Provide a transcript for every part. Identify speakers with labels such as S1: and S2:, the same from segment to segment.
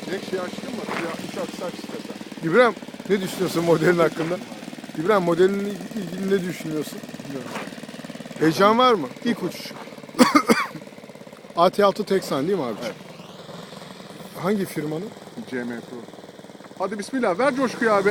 S1: Cenk şey açtın mı? Ya 3 aksı aç istersen.
S2: İbrahim ne düşünüyorsun modelin hakkında? İbrahim modelinle ilgili ne düşünüyorsun?
S1: Bilmiyorum.
S2: Heyecan var mı? İlk uçuş. AT6 Teksan değil mi abi?
S1: Evet.
S2: Hangi firmanın?
S1: CM Pro. Hadi bismillah ver coşkuyu abi.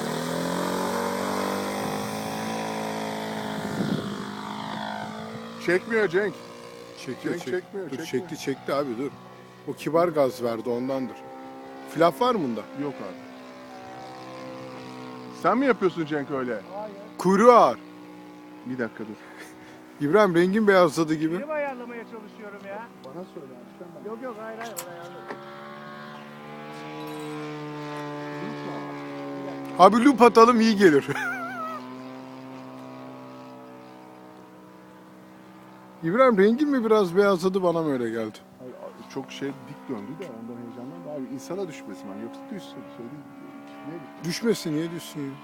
S1: Çekmiyor Cenk.
S2: Çekiyor,
S1: Cenk çekmiyor,
S2: Dur
S1: çekmiyor.
S2: çekti abi dur. O kibar gaz verdi ondandır. Flap var mı bunda?
S1: Yok abi. Sen mi yapıyorsun Cenk öyle?
S2: Kuyruğu ağır.
S1: Bir dakika dur.
S2: İbrahim rengin beyazladı gibi.
S3: Benim ayarlamaya çalışıyorum ya.
S1: Bana söyle abi. Sen
S3: Yok hayır ayarlı.
S2: Abi loop atalım iyi gelir. İbrahim rengin mi biraz beyazladı bana mı öyle geldi?
S1: Hayır, çok şey dik döndü de ondan heyecanlandı. Abi insana düşmesin ben. Yoksa düşsün. Söyleyeyim. Ne?
S2: Düşmesin niye düşsün ya?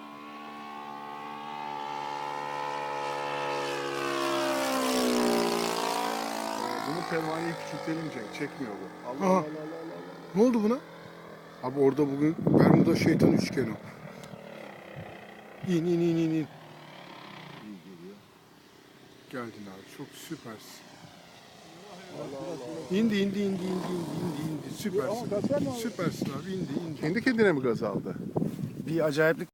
S1: Bunun pervaneyi küçültelim Cenk. Çekmiyor bu. Allah
S2: Aha.
S1: Allah Allah Allah.
S2: Ne oldu buna? Abi orada bugün Bermuda şeytan üçgeni. İn.
S1: İyi geliyor.
S2: Geldin abi çok süpersin. İndi. Süpersin. Süpersin abi indi.
S1: Kendi kendine mi gaz aldı?
S3: Bir acayiplik